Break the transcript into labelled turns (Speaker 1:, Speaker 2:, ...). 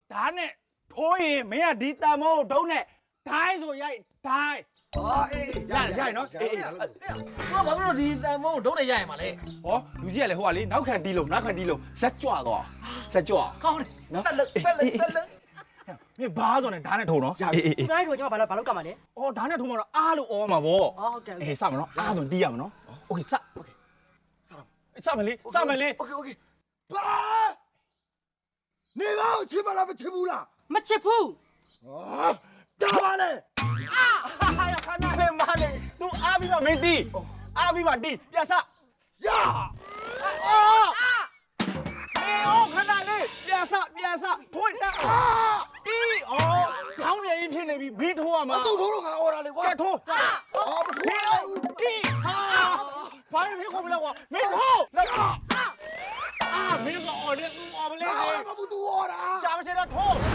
Speaker 1: ဒါနဲ့ထိုးရင်မင်းကဒီတန်မိုးဒုံးနဲ့ဒိုင်းဆိုရိုက်ဒိုင်း
Speaker 2: အေး
Speaker 1: ရနော်အေး
Speaker 2: ဘာလို့ဒီတန်မုံဒုံးနေရရမှာလဲ
Speaker 1: ဟောလူကြီးကလည်းဟိုကလေနောက်ခံတီးလို့ဇက်ကြွတော့ဇက်ကြွ
Speaker 2: ကောင်းတယ်ဆက်လက်
Speaker 1: မင်းဘာဆိုနဲ့ဓာတ်နဲ့ထိုးနော်
Speaker 3: ဒီတိုင်းတို့ကျွန်မဘာလို့ကမှာလဲ
Speaker 1: အော်ဓာတ်နဲ့ထိုးမှတော့အားလို့အော်မှာဗော
Speaker 3: ဟုတ်ကဲ့
Speaker 1: အေးစမနော်အားဆိုတီးရမှာနော်โอเคစမယ်လေ
Speaker 2: โอเคဘာနေတော့ချစ်မလားမချစ်ဘူးလား
Speaker 3: မချစ်ဘူး
Speaker 2: တာပါလေ
Speaker 1: ဟာရခဏလေးမလေး तू အားပြီးမှမင်းတီးအားပြီးမှတီးပြန်စ
Speaker 2: ရ
Speaker 1: အော်မေအော်ခဏလေးပြန်စထိုးတက်တီးအော်ခေါင်းရည်ဖြစ်နေပြီဘီထိုးရမှာ
Speaker 2: သူ့ထိုးတော့ငါအော်တာလေကွာ
Speaker 1: ထိုး
Speaker 2: အော်မထိုး
Speaker 1: မေအော်တီးဟာဘာဖြစ်ကုန်မလဲကွာမင်းထိုးမင်းကအော်လေ तू အော်မလဲ
Speaker 2: ငါအော်တာမဘူးသူအော်တာ
Speaker 1: ရှာမရှိတော့ထိုး